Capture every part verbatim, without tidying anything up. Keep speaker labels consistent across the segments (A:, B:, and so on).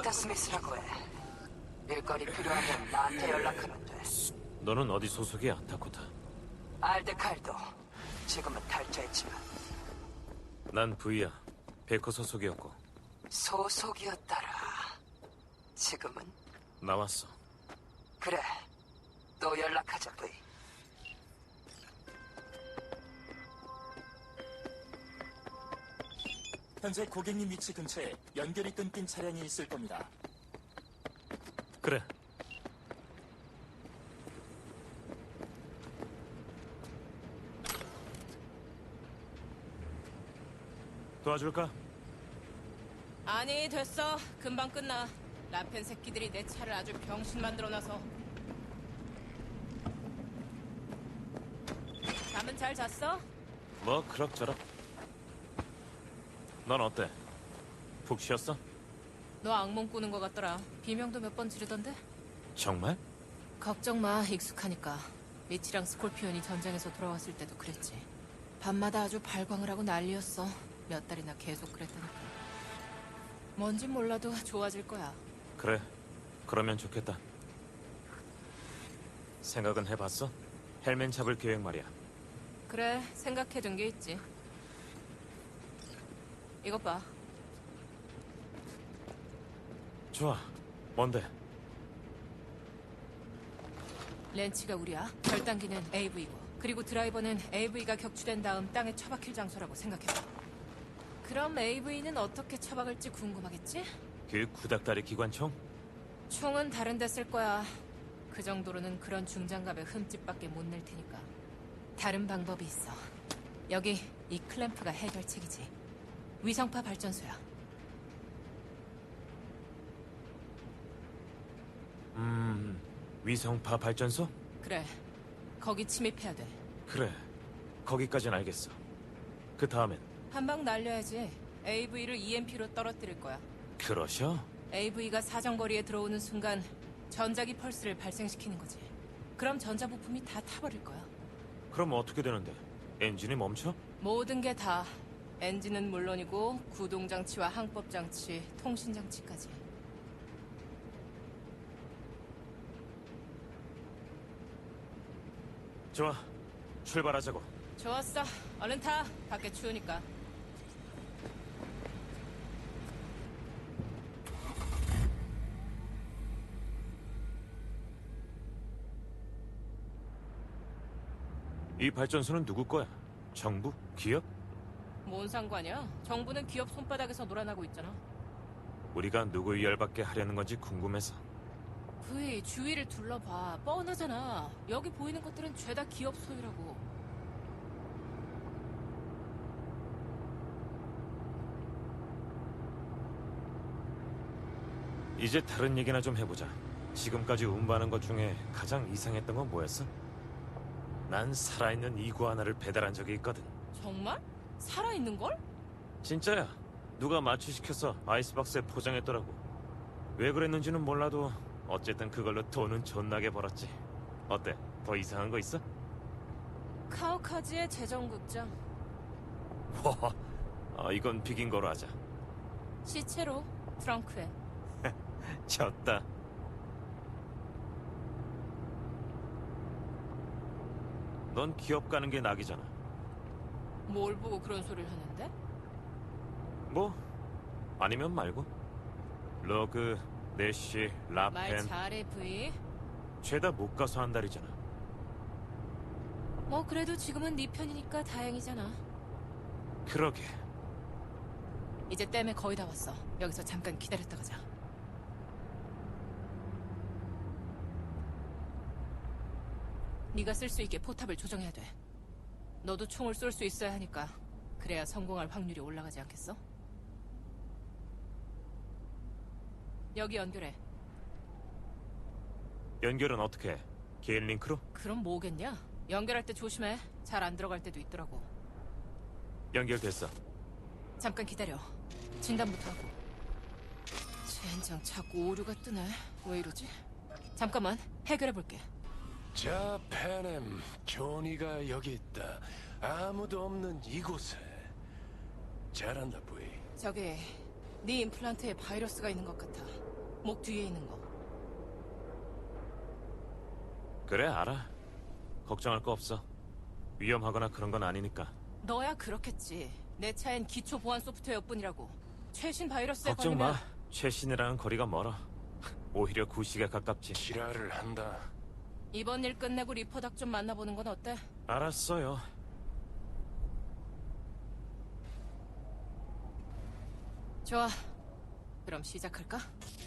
A: 에이다 스미스라고 해. 일거리 필요하면 나한테 연락하면 돼.
B: 너는 어디 소속이야, 다코타?
A: 알데칼도 지금은 탈퇴했지만
B: 난 V야. 베커 소속이었고.
A: 소속이었더라. 지금은
B: 나왔어.
A: 그래. 또 연락하자, 브이.
C: 현재 고객님 위치 근처에 연결이 끊긴 차량이 있을 겁니다.
B: 그래. 도와줄까?
D: 아니 됐어. 금방 끝나. 라펜 새끼들이 내 차를 아주 병신 만들어놔서. 잠은 잘 잤어?
B: 뭐 그럭저럭. 넌 어때? 푹 쉬었어?
D: 너 악몽 꾸는 것 같더라. 비명도 몇 번 지르던데?
B: 정말?
D: 걱정 마. 익숙하니까. 미치랑 스콜피온이 전장에서 돌아왔을 때도 그랬지. 밤마다 아주 발광을 하고 난리였어. 몇 달이나 계속 그랬다니까. 뭔진 몰라도 좋아질 거야.
B: 그래. 그러면 좋겠다. 생각은 해봤어? 헬멘 잡을 계획 말이야.
D: 그래, 생각해둔 게 있지. 이것 봐.
B: 좋아. 뭔데?
D: 렌치가 우리야. 결단기는 에이브이고, 그리고 드라이버는 에이브이가 격추된 다음 땅에 처박힐 장소라고 생각해봐. 그럼 에이브이는 어떻게 처박을지 궁금하겠지?
B: 그 구닥다리 기관총?
D: 총은 다른 데 쓸 거야. 그 정도로는 그런 중장갑에 흠집밖에 못 낼 테니까. 다른 방법이 있어. 여기 이 클램프가 해결책이지. 위성파 발전소야.
B: 음... 위성파 발전소?
D: 그래. 거기 침입해야 돼.
B: 그래. 거기까진 알겠어. 그 다음엔?
D: 한 방 날려야지. 에이브이를 이엠피로 떨어뜨릴 거야.
B: 그러셔?
D: 에이브이가 사정거리에 들어오는 순간 전자기 펄스를 발생시키는 거지. 그럼 전자부품이 다 타버릴 거야.
B: 그럼 어떻게 되는데? 엔진이 멈춰?
D: 모든 게 다. 엔진은 물론이고 구동장치와 항법장치, 통신장치까지.
B: 좋아. 출발하자고.
D: 좋았어. 얼른 타. 밖에 추우니까.
B: 이 발전소는 누구 거야? 정부? 기업?
D: 뭔 상관이야? 정부는 기업 손바닥에서 놀아나고 있잖아.
B: 우리가 누구 열받게 하려는 건지 궁금해서.
D: 브이, 주위를 둘러봐. 뻔하잖아. 여기 보이는 것들은 죄다 기업 소유라고.
B: 이제 다른 얘기나 좀 해보자. 지금까지 운반한 것 중에 가장 이상했던 건 뭐였어? 난 살아있는 이구 하나를 배달한 적이 있거든.
D: 정말? 살아있는 걸?
B: 진짜야. 누가 마취시켜서 아이스박스에 포장했더라고. 왜 그랬는지는 몰라도 어쨌든 그걸로 돈은 존나게 벌었지. 어때? 더 이상한 거 있어?
D: 카오카지의 재정극장.
B: 허허. 아, 이건 비긴 거로 하자.
D: 시체로 트렁크에.
B: 졌다. 넌 기업 가는 게 낙이잖아.
D: 뭘 보고 그런 소리를 하는데?
B: 뭐? 아니면 말고. 러그, 내쉬,
D: 말
B: 라펜
D: 잘해, 브이.
B: 죄다 못 가서 한 달이잖아.
D: 뭐 그래도 지금은 네 편이니까 다행이잖아.
B: 그러게.
D: 이제 댐에 거의 다 왔어. 여기서 잠깐 기다렸다 가자. 네가 쓸 수 있게 포탑을 조정해야 돼. 너도 총을 쏠 수 있어야 하니까. 그래야 성공할 확률이 올라가지 않겠어? 여기 연결해.
B: 연결은 어떻게 해? 개인 링크로?
D: 그럼 뭐겠냐? 연결할 때 조심해. 잘 안 들어갈 때도 있더라고.
B: 연결됐어.
D: 잠깐 기다려. 진단부터 하고. 젠장 자꾸 오류가 뜨네. 왜 이러지? 잠깐만 해결해볼게.
E: 자, 페넴, 조니가 여기 있다. 아무도 없는 이곳에. 잘한다, 부이.
D: 저기 네 임플란트에 바이러스가 있는 것 같아. 목 뒤에 있는 거.
B: 그래, 알아. 걱정할 거 없어. 위험하거나 그런 건 아니니까.
D: 너야 그렇겠지. 내 차엔 기초 보안 소프트웨어뿐이라고. 최신 바이러스에
B: 걱정
D: 걸리면
B: 마. 최신이랑은 거리가 멀어. 오히려 구시에 가깝지.
E: 지랄을 한다.
D: 이번 일 끝내고 리퍼닥 좀 만나보는 건 어때?
B: 알았어요.
D: 좋아. 그럼 시작할까?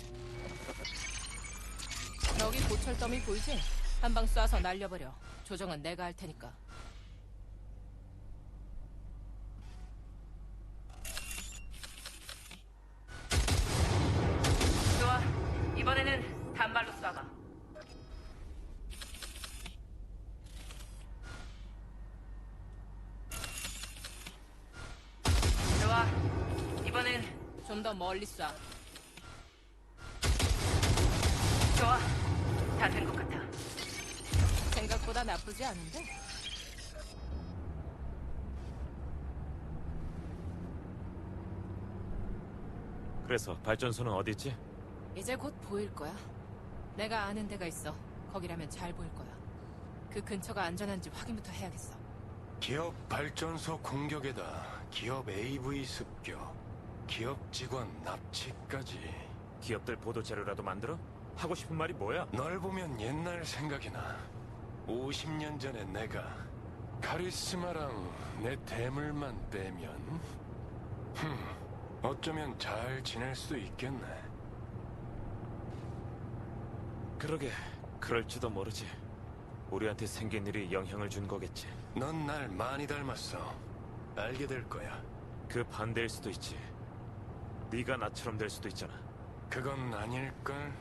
D: 여기 고철 더미 보이지? 한 방 쏴서 날려버려. 조정은 내가 할 테니까. 좋아. 이번에는 단발로 쏴봐. 좋아. 이번엔 좀 더 멀리 쏴. 좋아. 다 된 것 같아. 생각보다 나쁘지 않은데?
B: 그래서 발전소는 어디 있지?
D: 이제 곧 보일 거야. 내가 아는 데가 있어. 거기라면 잘 보일 거야. 그 근처가 안전한지 확인부터 해야겠어.
E: 기업 발전소 공격에다 기업 에이브이 습격, 기업 직원 납치까지.
B: 기업들 보도 자료라도 만들어? 하고 싶은 말이 뭐야?
E: 널 보면 옛날 생각이 나. 오십 년 전에 내가 카리스마랑 내 대물만 빼면 흠, 어쩌면 잘 지낼 수 있겠네.
B: 그러게, 그럴지도 모르지. 우리한테 생긴 일이 영향을 준 거겠지.
E: 넌 날 많이 닮았어. 알게 될 거야.
B: 그 반대일 수도 있지. 네가 나처럼 될 수도 있잖아.
E: 그건 아닐걸?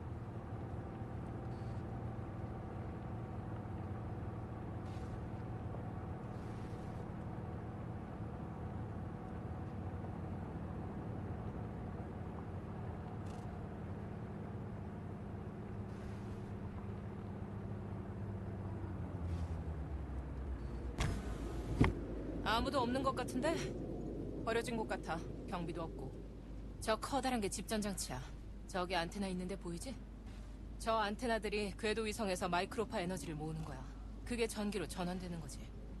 D: 아무도 없는 것 같은데? 버려진 곳 같아. 경비도 없고. 저 커다란 게 집전장치야. 저기 안테나 있는데 보이지? 저 안테나들이 궤도 위성에서 마이크로파 에너지를 모으는 거야. 그게 전기로 전환되는 거지.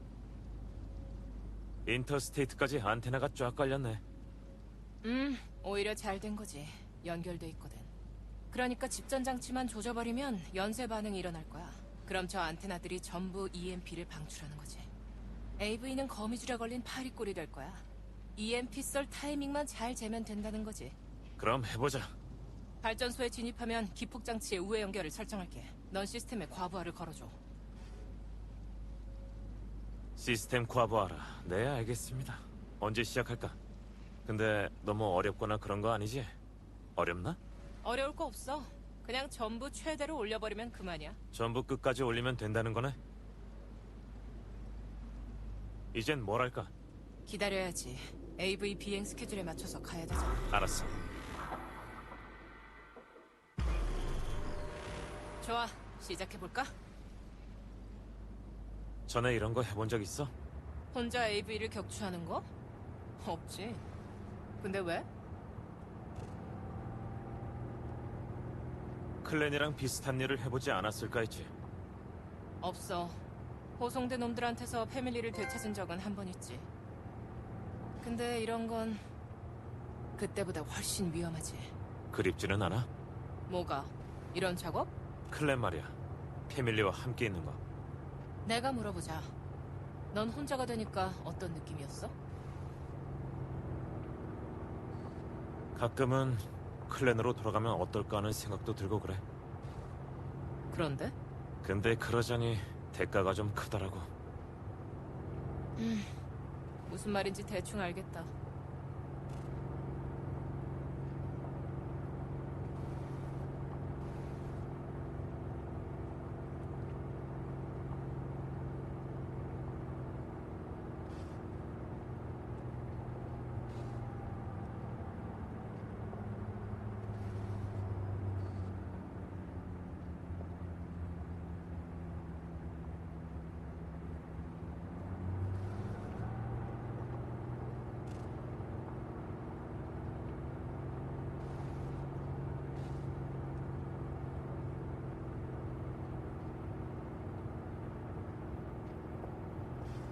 B: 인터스테이트까지 안테나가 쫙 깔렸네.
D: 음, 오히려 잘 된 거지. 연결돼 있거든. 그러니까 집전장치만 조져버리면 연쇄 반응이 일어날 거야. 그럼 저 안테나들이 전부 이엠피를 방출하는 거지. 에이브이는 거미줄에 걸린 파리꼴이 될 거야. 이엠피 쏠 타이밍만 잘 재면 된다는 거지.
B: 그럼 해보자.
D: 발전소에 진입하면 기폭장치의 우회 연결을 설정할게. 넌 시스템에 과부하를 걸어줘.
B: 시스템 과부하라. 네, 알겠습니다. 언제 시작할까? 근데 너무 어렵거나 그런 거 아니지? 어렵나?
D: 어려울 거 없어. 그냥 전부 최대로 올려버리면 그만이야.
B: 전부 끝까지 올리면 된다는 거네? 이젠 뭘 할까?
D: 기다려야지. 에이브이 비행 스케줄에 맞춰서 가야 되잖아.
B: 알았어.
D: 좋아, 시작해볼까?
B: 전에 이런 거 해본 적 있어?
D: 혼자 에이브이를 격추하는 거? 없지. 근데 왜?
B: 클랜이랑 비슷한 일을 해보지 않았을까 했지.
D: 없어. 호송된 놈들한테서 패밀리를 되찾은 적은 한 번 있지. 근데 이런 건 그때보다 훨씬 위험하지.
B: 그립지는 않아?
D: 뭐가? 이런 작업?
B: 클랜 말이야. 패밀리와 함께 있는 거.
D: 내가 물어보자. 넌 혼자가 되니까 어떤 느낌이었어?
B: 가끔은 클랜으로 돌아가면 어떨까 하는 생각도 들고 그래.
D: 그런데?
B: 근데 그러자니 대가가 좀 크더라고.
D: 음, 무슨 말인지 대충 알겠다.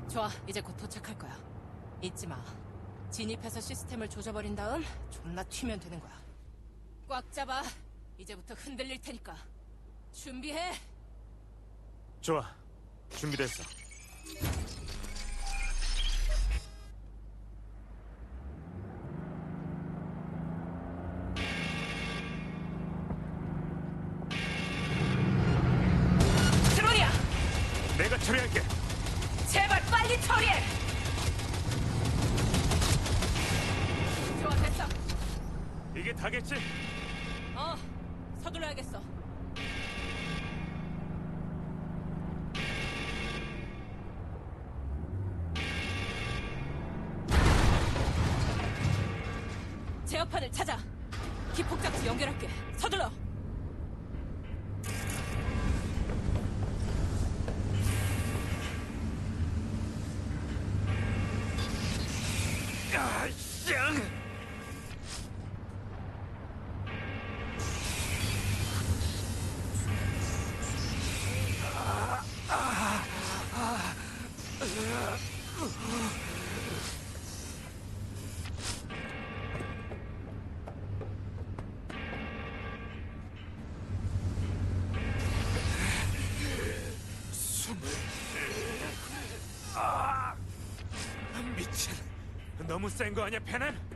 D: 좋아, 이제 곧 도착할 거야. 잊지 마. 진입해서 시스템을 조져버린 다음 존나 튀면 되는 거야. 꽉 잡아. 이제부터 흔들릴 테니까. 준비해.
B: 좋아. 준비됐어.
D: 드론이야!
B: 내가 처리할게.
D: 제발 빨리 처리해! 좋아, 됐어.
B: 이게 다겠지?
D: 어, 서둘러야겠어. 제어판을 찾아. 기폭장치 연결할게. 서둘러.
B: 아, 쌍! 미친. 너무 센 거 아니야, 페넨?